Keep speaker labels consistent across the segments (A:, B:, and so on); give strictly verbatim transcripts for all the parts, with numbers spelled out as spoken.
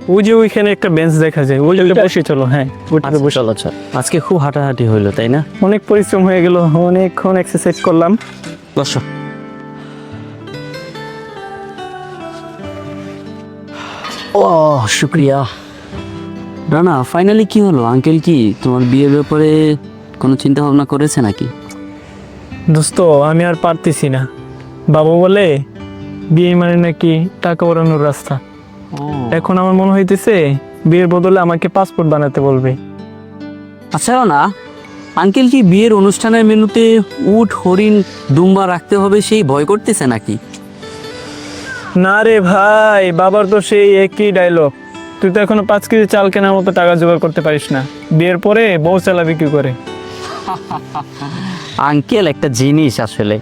A: ওই যে ওইখানে একটা বেঞ্চ দেখা যায়, ওইটা বসে চলো। হ্যাঁ ওইটাতে বসে।
B: চলো চলো, আজকে খুব হাঁটাহাঁটি হইলো তাই না?
A: অনেক পরিশ্রম হয়ে গেল, অনেকক্ষণ এক্সারসাইজ করলাম।
B: বসো। ও শুক্রিয়া। রানা, ফাইনালি কি হলো? আঙ্কেল কি তোমার বিয়ের ব্যাপারে কোনো চিন্তা ভাবনা করেছে নাকি?
A: দোস্ত আমি আর পারতেছি না। বাবা বলে বিয়ে মানে নাকি টাকা ওড়ানোর রাস্তা। এখন আমার মনে হইতেছে বিয়ের বদলে আমাকে পাসপোর্ট বানাতে বলবে।
B: আচ্ছা না, আঙ্কেল কি বিয়ের অনুষ্ঠানের মেনুতে উট, হরিণ, দুম্বা রাখতে হবে সেই ভয় করতেছে নাকি?
A: না রে ভাই, বাবার তো সেই একই ডায়লগ, তুই তো এখনো পাঁচ কেজি চাল কেনার মতো টাকা জোগাড় করতে পারিস না, বিয়ের পরে বউ চালাবি কি করে?
B: আঙ্কেল একটা জিনিস আসলে।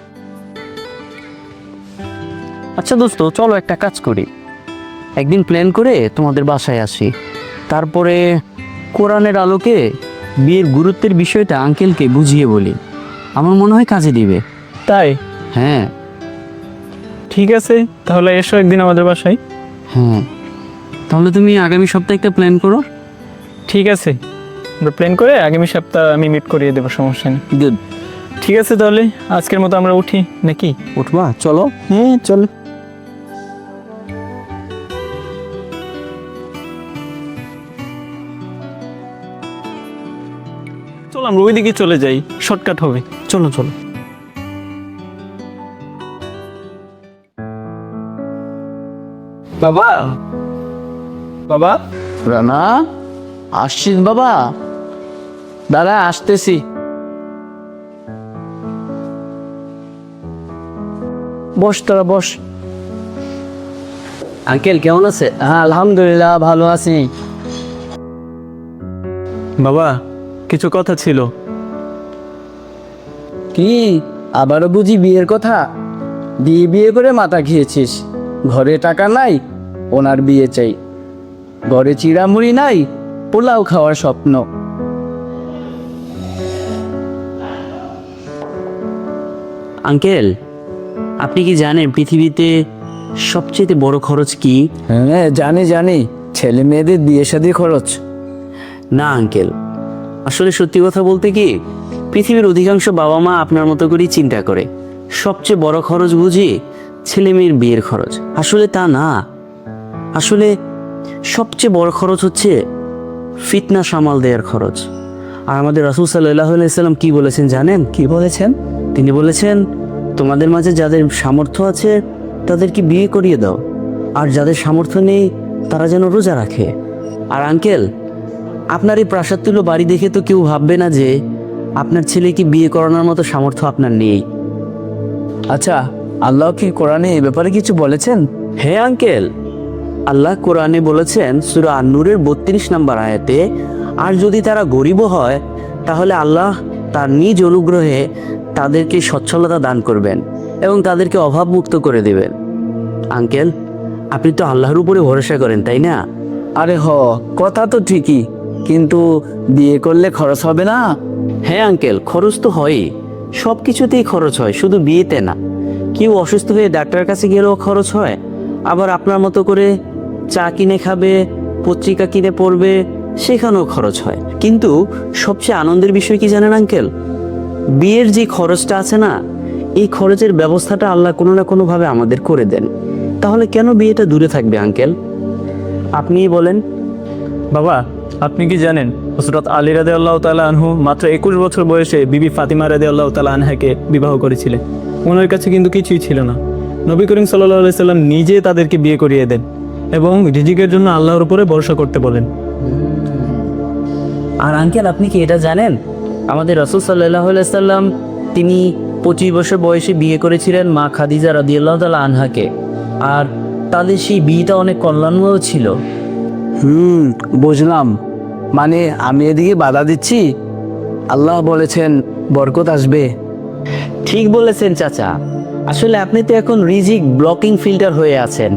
B: আচ্ছা দোস্ত, চলো একটা কাজ করি, একদিন প্ল্যান করে তোমাদের বাসায় আসি, তারপরে কোরআনের আলোকে বিয়ের গুরুত্বের বিষয়টা আঙ্কেলকে বুঝিয়ে বলি। আমার মনে হয় কাজে দিবে।
A: তাই?
B: হ্যাঁ
A: ঠিক আছে, তাহলে এসো একদিন আমাদের বাসায়।
B: হ্যাঁ, তাহলে তুমি আগামী সপ্তাহে একটা প্ল্যান করো।
A: ঠিক আছে, আমরা প্ল্যান করে আগামী সপ্তাহ আমি মিট করিয়ে দেবো, সমস্যা নেই।
B: গুড।
A: ঠিক আছে, তাহলে আজকের মতো আমরা উঠি নাকি?
B: উঠবা? চলো।
A: হ্যাঁ চল। চল আমরা ওইদিকে চলে যাই, শর্টকাট হবে। চলো চলো। বাবা, বাবা।
B: রানা, আসছিস বাবা? দাদা আসতেছি। বস তোরা বস। আঙ্কেল কেমন আছে? হ্যাঁ আলহামদুলিল্লাহ ভালো আছি।
A: বাবা কিছু কথা ছিল।
C: কি আবারও বুঝি বিয়ের কথা? বিয়ে বিয়ে করে মাথা খেয়েছিস। ঘরে টাকা নাই, ওনার বিয়ে চাই। ঘরে চিড়ামুড়ি নাই, পোলাও খাওয়ার স্বপ্ন।
B: আঙ্কেল, আপনি কি জানেন পৃথিবীতে সবচেয়ে বড় খরচ কি?
C: হ্যাঁ জানি জানি, ছেলে মেয়েদের বিয়ে শাদী খরচ।
B: না আঙ্কেল, আসলে সত্যি কথা বলতে কি, পৃথিবীর অধিকাংশ বাবা মা আপনার মতো করেই চিন্তা করে সবচেয়ে বড় খরচ বুঝি ছেলে মেয়ের বিয়ের খরচ। আসলে তা না, আসলে সবচেয়ে বড় খরচ হচ্ছে ফিতনা সামাল দেওয়ার খরচ। আর আমাদের রাসূল সাল্লাল্লাহু আলাইহি সাল্লাম কি বলেছেন জানেন?
C: কি বলেছেন?
B: তিনি বলেছেন, তোমাদের মাঝে যাদের সামর্থ্য আছে তাদেরকে বিয়ে করিয়ে দাও, আর যাদের সামর্থ্য নেই তারা যেন রোজা রাখে। আর আঙ্কেল, আপনার এই প্রাসাদ তুলো বাড়ি দেখে তো কেউ ভাববে না যে আপনার ছেলেকে বিয়ে করানোর মতো সামর্থ্য আপনার নেই।
C: আচ্ছা, আল্লাহ কি কোরআনে এ ব্যাপারে কিছু বলেছেন?
B: হ্যাঁ আঙ্কেল, আল্লাহ কোরআনে বলেছেন সূরা আন-নূরের বত্রিশ নম্বর আয়াতে, আর যদি তারা গরিবও হয় তাহলে আল্লাহ তার নিজ অনুগ্রহে তাদেরকে সচ্ছলতা দান করবেন এবং তাদেরকে অভাবমুক্ত করে দেবেন। আঙ্কেল, আপনি তো আল্লাহর উপরে ভরসা করেন তাই না?
C: আরে হ, কথা তো ঠিকই, কিন্তু বিয়ে করলে খরচ হবে না?
B: হ্যাঁ আঙ্কেল, খরচ তো হয়ই, সব কিছুতেই খরচ হয়, শুধু বিয়েতে না। কেউ অসুস্থ হয়ে ডাক্তারের কাছে গেলেও খরচ হয়, আবার আপনার মতো করে চা কিনে খাবে, পত্রিকা কিনে পড়বে, সেখানেও খরচ হয়। কিন্তু সবচেয়ে আনন্দের বিষয় কি জানেন আঙ্কেল? বিয়ের যে খরচটা আছে না, এই খরচের ব্যবস্থাটা আল্লাহ কোনো না কোনোভাবে আমাদের করে দেন। তাহলে কেন বিয়েটা দূরে থাকবে আঙ্কেল? আপনিই বলেন।
A: বাবা আপনি কি জানেন হযরত আলী রাদিয়াল্লাহু তাআলা আনহু মাত্র একুশ বছর বয়সে বিবি ফাতিমা রাদিয়াল্লাহু তাআলা আনহাকে বিবাহ করেছিলেন। ওনার কাছে কিন্তু কিছুই ছিল না। নবী করিম সাল্লাল্লাহু আলাইহি সাল্লাম নিজে তাদেরকে বিয়ে করিয়ে দেন এবং রিজিকের জন্য আল্লাহর উপরে ভরসা করতে বলেন।
B: আর আঙ্কেল, আপনি কি এটা জানেন আমাদের রাসূল সাল্লাল্লাহু আলাইহি সাল্লাম তিনি পঁচিশ বছর বয়সে বিয়ে করেছিলেন মা খাদিজা রাদিয়াল্লাহু তাআলা আনহাকে, আর তাদের সেই বিয়েটা অনেক কল্যাণময় ছিল।
C: হুম বুঝলাম, মানে আমি এদিকে বাধা দিচ্ছি, আল্লাহ বলেছেন বরকত আসবে।
B: ঠিক বলেছেন চাচা, আসলে আপনি তো এখন রিজিক ব্লকিং ফিল্টার হয়ে আছেন।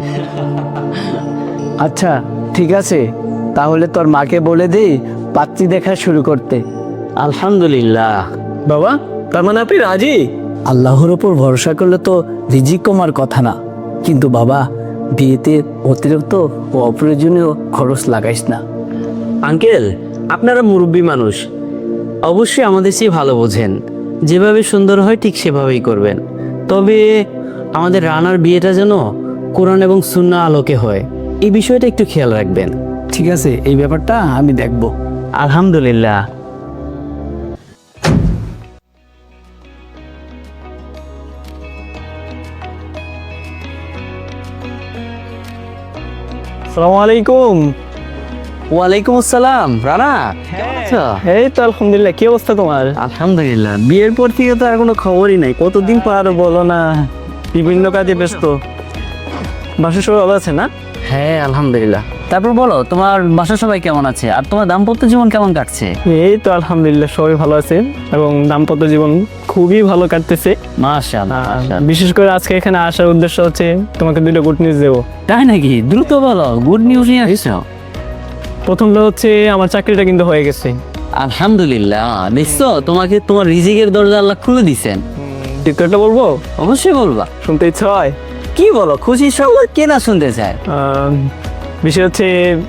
C: আচ্ছা ঠিক আছে, তাহলে তোর মাকে বলে দে পাত্রী দেখা শুরু করতে।
B: আলহামদুলিল্লাহ।
A: বাবা তার মানে আপনি রাজি?
C: আল্লাহর ওপর ভরসা করলে তো রিজিক কমার কথা না, কিন্তু বাবা বিয়েতে অতিরিক্ত ও অপ্রয়োজনীয় খরচ লাগাইস না।
B: আঙ্কেল, আপনারা মুরব্বী মানুষ, অবশ্যই আমাদের চেয়ে ভালো বোঝেন। যেভাবে সুন্দর হয় ঠিক সেভাবেই করবেন। তবে আমাদের রানার বিয়েটা যেন কোরআন এবং সুন্নাহ আলোকে হয়, এই বিষয়টা একটু খেয়াল রাখবেন।
C: ঠিক আছে, এই ব্যাপারটা আমি দেখব।
B: আলহামদুলিল্লাহ।
A: আসসালামু আলাইকুম।
B: ওয়ালাইকুম আসসালাম। রানা, কেমন আছো?
A: এই তো আলহামদুলিল্লাহ, কি অবস্থা তোমার?
B: আলহামদুলিল্লাহ। বিয়ের পর থেকে তো আর কোনো খবরই নাই।
A: কতদিন পর বলো না, বিভিন্ন কাজে ব্যস্ত। বাসার সবাই ভালো আছে না?
B: হ্যাঁ, আলহামদুলিল্লাহ।
C: তারপর বলো, তোমার বাসার সবাই কেমন আছে আর তোমার দাম্পত্য জীবন কেমন কাটছে?
A: এই তো আলহামদুলিল্লাহ, সবাই ভালো আছে এবং দাম্পত্য জীবন খুবই ভালো কাটতেছে।
C: মাশাআল্লাহ,
A: আহ,
C: মাশাআল্লাহ।
A: বিশেষ করে আজকে এখানে আসার উদ্দেশ্য হচ্ছে তোমাকে দুটো গুড নিউজ দেবো।
C: তাই নাকি? দ্রুত বলো, গুড নিউজ নিয়ে আসছো।
A: প্রথমটা হচ্ছে আমার চাকরিটা কিন্তু হয়ে গেছে।
C: আলহামদুলিল্লাহ। দেখছো, তোমাকে তোমার রিজিকের দরজা আল্লাহ খুলে দিছেন।
A: দ্বিতীয়টা বলবো?
C: অবশ্যই বলবা।
A: শুনতে ইচ্ছা হয়।
C: কি বলো, খুশি সংবাদ কে না শুনতে চায়?
A: আহ, বিষয় হচ্ছে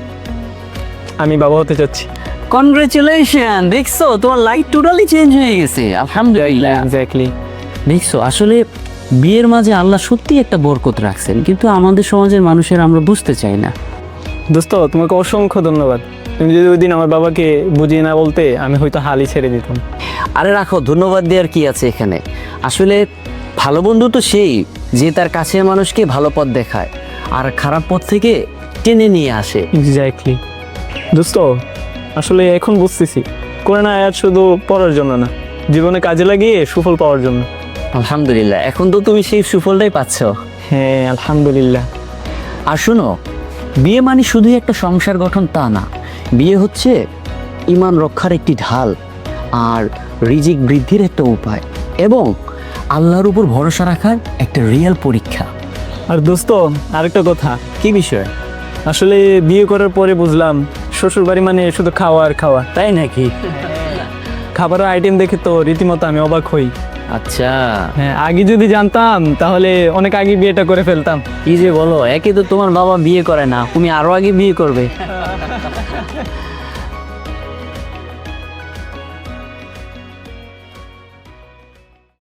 A: আমি বাবা হতে চাচ্ছি।
C: কনগ্রেচুলেশন। দেখছো, তোমার লাইফ টোটালি চেঞ্জ হয়ে গেছে। আলহামদুলিল্লাহ।
A: এক্স্যাক্টলি।
B: দেখছো, আসলে বিয়ের মাঝে আল্লাহ সত্যি একটা বরকত রাখছেন, কিন্তু আমাদের সমাজের মানুষের আমরা বুঝতে চাই না।
A: দোস্ত, তোমাকে অসংখ্য ধন্যবাদ। তুমি যদি ওই দিন আমার বাবাকে বুঝিয়ে না বলতে, আমি হয়তো হালই ছেড়ে দিতাম।
B: আরে রাখো, ধন্যবাদ দেওয়ার কি আছে এখানে। আসলে ভালো বন্ধু তো সেই যে তার কাছের মানুষকে ভালো পথ দেখায় আর খারাপ পথ থেকে টেনে নিয়ে আসে।
A: এক্স্যাক্টলি। দোস্ত, আসলে এখন বুঝতেছি কোরআন আয়াত শুধু পড়ার জন্য না, জীবনে কাজে লাগিয়ে সুফল পাওয়ার জন্য।
B: আলহামদুলিল্লাহ, এখন তো তুমি সেই সুফলটাই পাচ্ছ।
A: হ্যাঁ, আলহামদুলিল্লাহ।
B: আর শোনো, বিয়ে মানে শুধুই একটা সংসার গঠন তা না। বিয়ে হচ্ছে ঈমান রক্ষার একটি ঢাল, আর রিজিক বৃদ্ধির একটা উপায়, এবং আল্লাহর উপর ভরসা রাখার একটা রিয়েল পরীক্ষা।
A: আর দোস্ত, আরেকটা কথা।
B: কি বিষয়?
A: আসলে বিয়ে করার পরে বুঝলাম শ্বশুর বাড়ি মানে শুধু খাওয়া আর খাওয়া।
B: তাই নাকি?
A: খাবারের আইটেম দেখে তো রীতিমতো আমি অবাক হই।
B: আচ্ছা,
A: হ্যাঁ, আগে যদি জানতাম তাহলে অনেক আগে বিয়েটা করে ফেলতাম।
B: কি যে বলো, একে তো তোমার বাবা বিয়ে করে না, তুমি আরো আগে বিয়ে করবে।